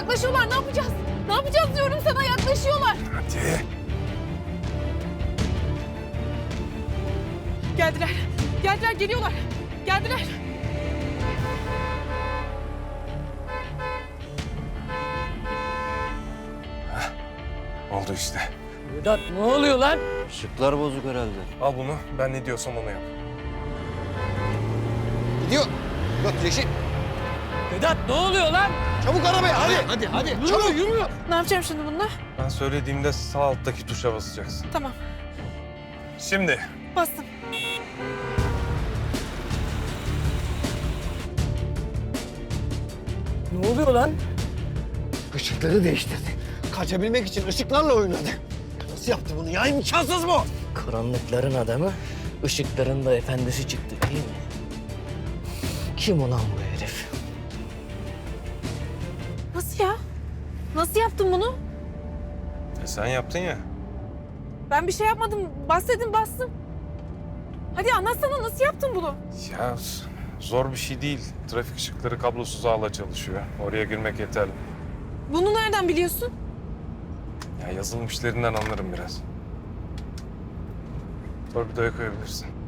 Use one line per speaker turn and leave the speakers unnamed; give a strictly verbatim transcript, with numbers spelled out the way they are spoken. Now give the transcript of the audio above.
Yaklaşıyorlar, ne yapacağız? Ne yapacağız diyorum sana, yaklaşıyorlar.
Hadi.
Geldiler, geldiler, geliyorlar. Geldiler.
Oldu işte.
Vedat ne oluyor lan?
Işıklar bozuk herhalde.
Al bunu. Ben ne diyorsam onu yap.
Gidiyor. Göt yeşil.
Vedat ne oluyor lan?
Çabuk arabaya hadi. Hadi hadi.
Yürü yürü.
Ne yapacağım şimdi bununla?
Ben söylediğimde sağ alttaki tuşa basacaksın.
Tamam,
Şimdi.
bastım.
Ne oluyor lan?
Işıkları değiştirdi. Kaçabilmek için ışıklarla oynadı. Nasıl yaptı bunu ya? İmkansız bu.
Karanlıkların adamı, ışıkların da efendisi çıktı değil mi? Kim ulan bu herif?
Nasıl ya? Nasıl yaptın bunu?
E sen yaptın ya.
Ben bir şey yapmadım. Bas dedim, bastım. Hadi anlatsana, nasıl yaptın bunu?
Ya zor bir şey değil. Trafik ışıkları kablosuz ağla çalışıyor. Oraya girmek yeterli.
Bunu nereden biliyorsun?
Ya yazılım işlerinden anlarım biraz. Torpidoya koyabilirsin.